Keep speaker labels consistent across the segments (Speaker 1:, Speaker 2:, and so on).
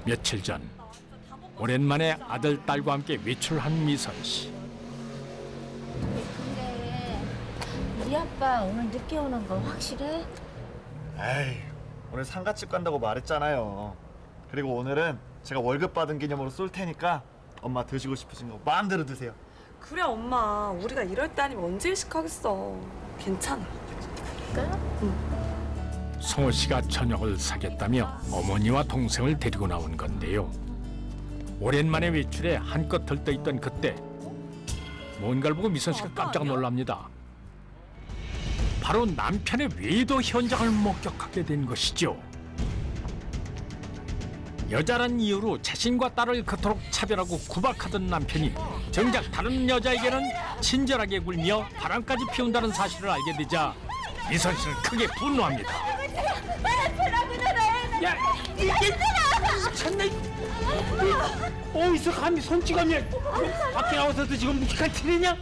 Speaker 1: 며칠 전 오랜만에 아들, 딸과 함께 외출한 미선 씨.
Speaker 2: 근데 우리 아빠 오늘 늦게 오는 거 확실해?
Speaker 3: 에이, 오늘 상가집 간다고 말했잖아요. 그리고 오늘은 제가 월급 받은 기념으로 쏠 테니까 엄마 드시고 싶으신 거 마음대로 드세요.
Speaker 4: 그래 엄마, 우리가 이럴 때 아니면 언제 일식하겠어. 괜찮아.
Speaker 1: 성호 씨가 저녁을 사겠다며 어머니와 동생을 데리고 나온 건데요. 오랜만에 외출에 한껏 들떠있던 그때 뭔가를 보고 미선 씨가 깜짝 놀랍니다. 바로 남편의 외도 현장을 목격하게 된 것이죠. 여자란 이유로 자신과 딸을 그토록 차별하고 구박하던 남편이 정작 다른 여자에게는 친절하게 굴며 바람까지 피운다는 사실을 알게 되자 미선 씨는 크게 분노합니다.
Speaker 5: 야, 이게 미쳤네. 어디서 감히 손찌검이야? 밖에 나와서도 지금 묵직한 티내냐?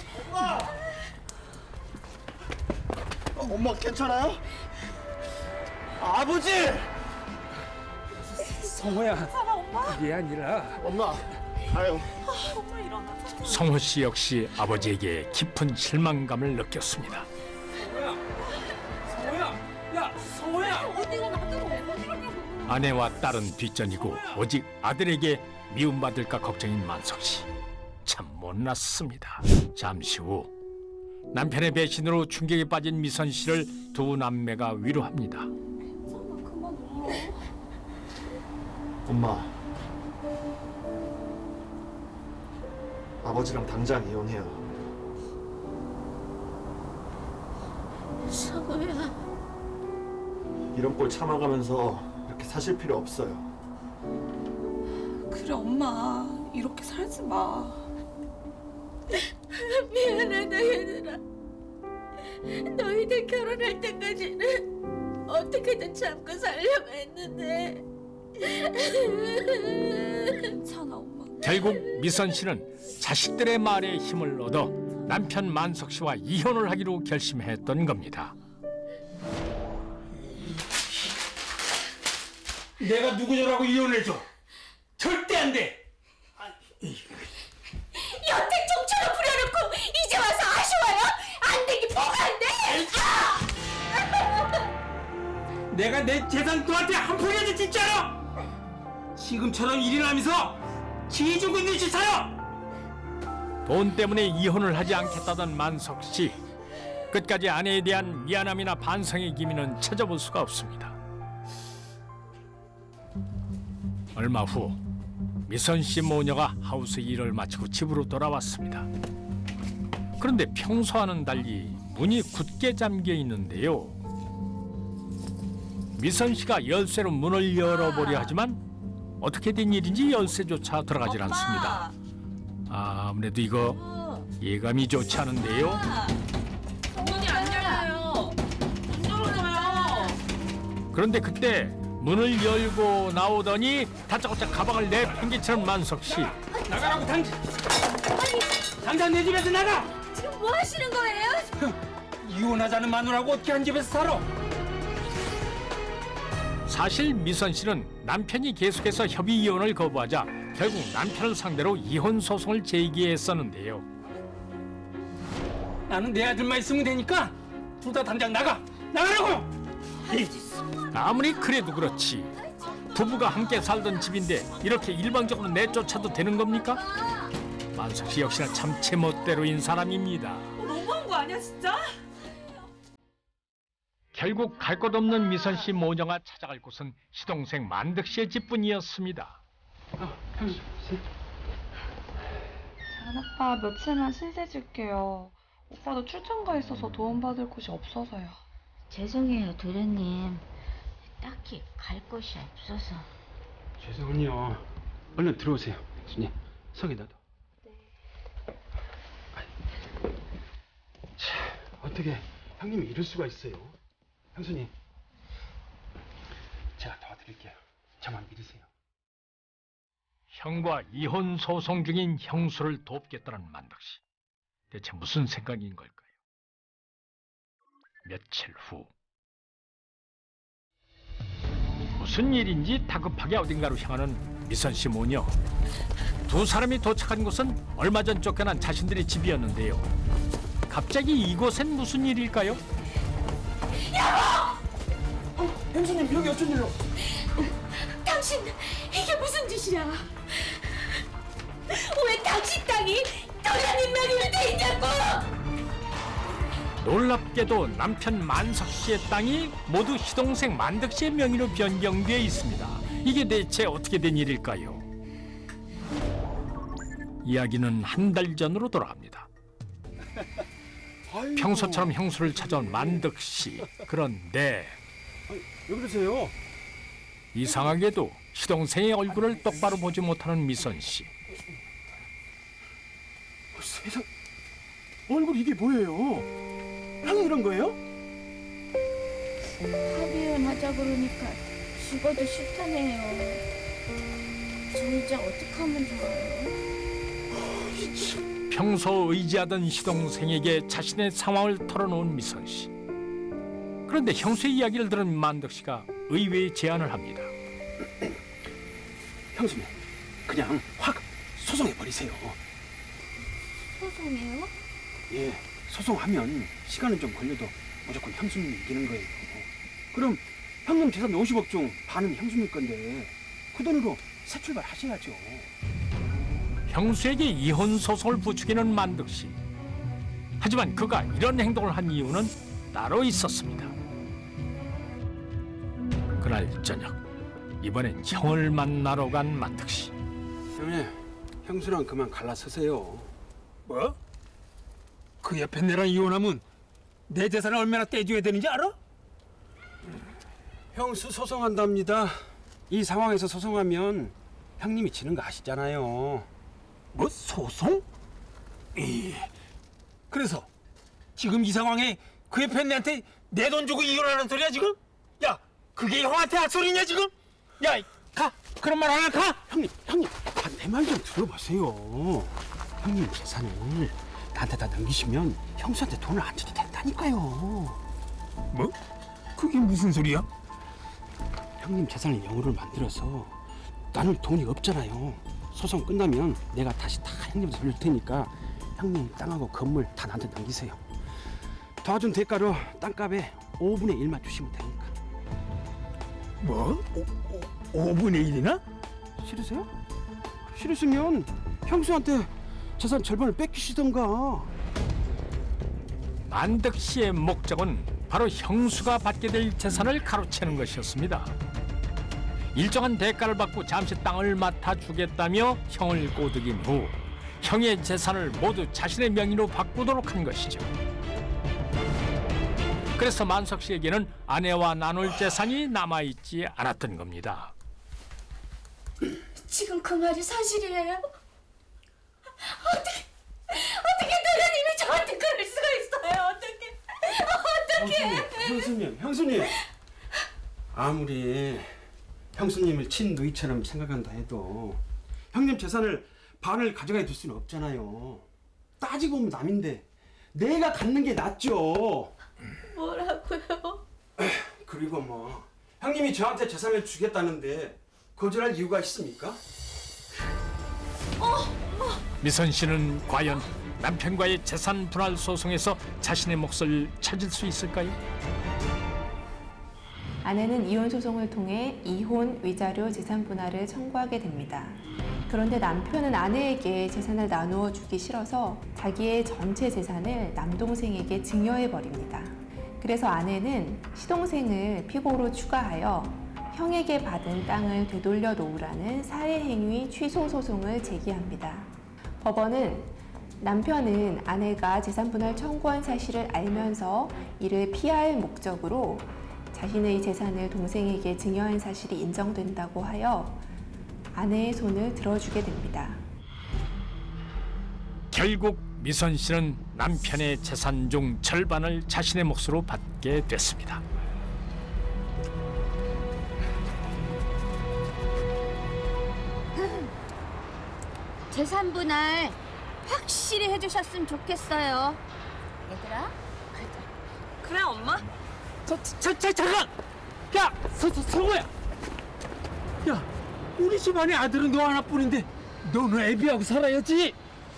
Speaker 3: 엄마 괜찮아요? 아버지!
Speaker 5: 성호야, 이게 아니라
Speaker 3: 엄마, 아유.
Speaker 4: 엄마 일어나.
Speaker 1: 성호 씨 역시 아버지에게 깊은 실망감을 느꼈습니다.
Speaker 5: 성호야, 야, 성호야.
Speaker 1: 아내와 딸은 뒷전이고 오직 아들에게 미움받을까 걱정인 만석 씨. 참 못났습니다. 잠시 후 남편의 배신으로 충격에 빠진 미선 씨를 두 남매가 위로합니다.
Speaker 3: 엄마, 아버지랑 당장 이혼해요.
Speaker 2: 성우야.
Speaker 3: 이런 꼴 참아가면서 이렇게 사실 필요 없어요.
Speaker 4: 그래 엄마, 이렇게 살지 마.
Speaker 2: 미안하다 얘들아. 너희들 결혼할 때까지는 어떻게든 참고 살려고 했는데.
Speaker 4: 괜찮아 엄마.
Speaker 1: 결국 미선 씨는 자식들의 말에 힘을 얻어 남편 만석 씨와 이혼을 하기로 결심했던 겁니다.
Speaker 5: 내가 누구냐라고 이혼해줘. 절대 안 돼.
Speaker 2: 여태 정처럼 부려놓고 이제 와서 아쉬워요? 안 되기 뭐가 안 돼?
Speaker 5: 내가 내 재산 너한테 한 푼이라도 짓지 않아. 지금처럼 일어나면서 지해주고 있는 짓하여.
Speaker 1: 돈 때문에 이혼을 하지 않겠다던 만석 씨. 끝까지 아내에 대한 미안함이나 반성의 기미는 찾아볼 수가 없습니다. 얼마 후 미선 씨 모녀가 하우스 일을 마치고 집으로 돌아왔습니다. 그런데 평소와는 달리 문이 굳게 잠겨 있는데요. 미선 씨가 열쇠로 문을 열어보려 하지만 어떻게 된 일인지 열쇠조차 들어가질 않습니다. 아무래도 이거 예감이 좋지 않은데요.
Speaker 4: 문이 안 열려요. 안 열어줘요.
Speaker 1: 그런데 그때 문을 열고 나오더니 다짜고짜 가방을 내팽개치는 만석 씨.
Speaker 5: 나가라고 당장 내 집에서 나가.
Speaker 2: 지금 뭐 하시는 거예요?
Speaker 5: 이혼하자는 마누라고 어떻게 한 집에서 살아?
Speaker 1: 사실 미선 씨는 남편이 계속해서 협의 이혼을 거부하자 결국 남편을 상대로 이혼 소송을 제기했었는데요.
Speaker 5: 나는 내 아들만 있으면 되니까 둘 다 당장 나가라고.
Speaker 1: 아무리 그래도 그렇지 부부가 함께 살던 집인데 이렇게 일방적으로 내쫓아도 되는 겁니까? 만석 씨 역시나 참 제멋대로인 사람입니다.
Speaker 4: 너무한 거 아니야 진짜?
Speaker 1: 결국 갈 곳 없는 미선 씨 모녀가 찾아갈 곳은 시동생 만득 씨의 집뿐이었습니다.
Speaker 6: 작은 오빠 며칠만 신세 줄게요. 오빠도 출장 가 있어서 도움받을 곳이 없어서요.
Speaker 2: 죄송해요 도련님. 딱히 갈 곳이 없어서.
Speaker 5: 죄송해요. 얼른 들어오세요. 주님, 석이나도. 네. 자, 어떻게 형님이 이럴 수가 있어요? 형수님, 제가 도와드릴게요. 저만 믿으세요.
Speaker 1: 형과 이혼 소송 중인 형수를 돕겠다는 만덕 씨. 대체 무슨 생각인 걸까요? 며칠 후 무슨 일인지 다급하게 어딘가로 향하는 미선 씨 모녀. 두 사람이 도착한 곳은 얼마 전 쫓겨난 자신들의 집이었는데요. 갑자기 이곳엔 무슨 일일까요?
Speaker 5: 형수님 여기 어쩐 일로?
Speaker 2: 당신 이게 무슨 짓이야? 왜 당신 땅이 도련님 명의로 돼 있냐고!
Speaker 1: 놀랍게도 남편 만석 씨의 땅이 모두 시동생 만덕 씨의 명의로 변경되어 있습니다. 이게 대체 어떻게 된 일일까요? 이야기는 한 달 전으로 돌아갑니다. 평소처럼 형수를 찾아온 만덕 씨. 그런데
Speaker 5: 왜 그러세요?
Speaker 1: 이상하게도 시동생의 얼굴을 똑바로 보지 못하는 미선 씨.
Speaker 5: 세상, 얼굴 이게 뭐예요? 형이 이런 거예요?
Speaker 7: 합의혼하자 그러니까 죽어도 싫다네요. 저 이제 어떡하면 좋아요?
Speaker 1: 평소 의지하던 시동생에게 자신의 상황을 털어놓은 미선 씨. 그런데 형수의 이야기를 들은 만덕 씨가 의외의 제안을 합니다.
Speaker 5: 형수님, 그냥 확 소송해버리세요.
Speaker 7: 소송해요?
Speaker 5: 예, 소송하면 시간은 좀 걸려도 무조건 형수님이 이기는 거예요. 그럼 형님 재산 50억 중 반은 형수님 건데 그 돈으로 새 출발 하셔야죠.
Speaker 1: 형수에게 이혼 소송을 부추기는 만덕 씨. 하지만 그가 이런 행동을 한 이유는 따로 있었습니다. 그날 저녁, 이번엔 형을 만나러 간 만덕 씨.
Speaker 5: 형님, 형수랑 그만 갈라서세요. 뭐? 그 옆에 내랑 이혼하면 내 재산을 얼마나 떼줘야 되는지 알아? 형수 소송한답니다. 이 상황에서 소송하면 형님이 지는 거 아시잖아요. 뭐 소송? 그래서 지금 이 상황에 그 옆에 내한테 내 돈 주고 이혼하는 소리야 지금? 야, 그게 형한테 할 소리냐 지금? 야, 가. 그런 말 하나 가. 형님, 내 말 좀 들어보세요. 형님 재산을 나한테 다 넘기시면 형수한테 돈을 안 줘도 된다니까요. 뭐? 그게 무슨 소리야? 형님 재산을 영으로 만들어서 나는 돈이 없잖아요. 소송 끝나면 내가 다시 다 형님한테 돌릴 테니까 형님 땅하고 건물 다 나한테 넘기세요. 도와준 대가로 땅값에 5분의 1만 주시면 되니까. 뭐? 5분의 1이나? 싫으세요? 싫으시면 형수한테 재산 절반을 뺏기시던가.
Speaker 1: 만덕 씨의 목적은 바로 형수가 받게 될 재산을 가로채는 것이었습니다. 일정한 대가를 받고 잠시 땅을 맡아주겠다며 형을 꼬드긴 후 형의 재산을 모두 자신의 명의로 바꾸도록 한 것이죠. 그래서 만석 씨에게는 아내와 나눌 재산이 남아있지 않았던 겁니다.
Speaker 2: 지금 그 말이 사실이에요? 어떻게 도련님이 저한테 그럴 수가 있어요? 어떻게?
Speaker 5: 형수님. 아무리 형수님을 친누이처럼 생각한다 해도 형님 재산을 반을 가져가 둘 수는 없잖아요. 따지고 보면 남인데 내가 갖는 게 낫죠.
Speaker 2: 뭐라고요?
Speaker 5: 그리고 뭐 형님이 저한테 재산을 주겠다는데 거절할 이유가 있습니까?
Speaker 1: 미선 씨는 과연 남편과의 재산 분할 소송에서 자신의 몫을 찾을 수 있을까요?
Speaker 8: 아내는 이혼 소송을 통해 이혼, 위자료, 재산 분할을 청구하게 됩니다. 그런데 남편은 아내에게 재산을 나누어 주기 싫어서 자기의 전체 재산을 남동생에게 증여해 버립니다. 그래서 아내는 시동생을 피고로 추가하여 형에게 받은 땅을 되돌려 놓으라는 살해행위 취소 소송을 제기합니다. 법원은 남편은 아내가 재산 분할 청구한 사실을 알면서 이를 피할 목적으로 자신의 재산을 동생에게 증여한 사실이 인정된다고 하여 아내의 손을 들어주게 됩니다.
Speaker 1: 결국 미선 씨는 남편의 재산 중 절반을 자신의 몫으로 받게 됐습니다.
Speaker 7: 재산 분할 확실히 해주셨으면 좋겠어요. 얘들아.
Speaker 4: 그래 엄마?
Speaker 5: 잠깐! 야! 성호야! 우리 집안에 아들은 너 하나뿐인데 너는 애비하고 살아야지.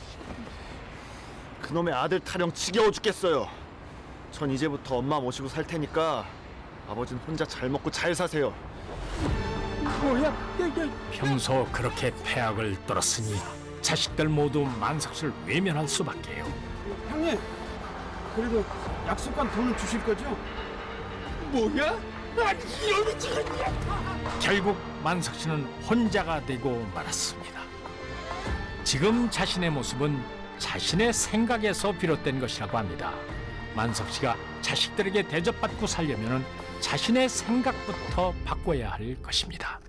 Speaker 3: 그놈의 아들 타령 지겨워 죽겠어요. 전 이제부터 엄마 모시고 살 테니까 아버지는 혼자 잘 먹고 잘 사세요.
Speaker 5: 뭐야?
Speaker 1: 평소 그렇게 패악을 떨었으니 자식들 모두 만석 씨를 외면할 수밖에요.
Speaker 5: 형님, 그래도 약속한 돈은 주실 거죠? 뭐야? 아니 이런 미치겠냐?
Speaker 1: 결국 만석 씨는 혼자가 되고 말았습니다. 지금 자신의 모습은 자신의 생각에서 비롯된 것이라고 합니다. 만석 씨가 자식들에게 대접받고 살려면 자신의 생각부터 바꿔야 할 것입니다.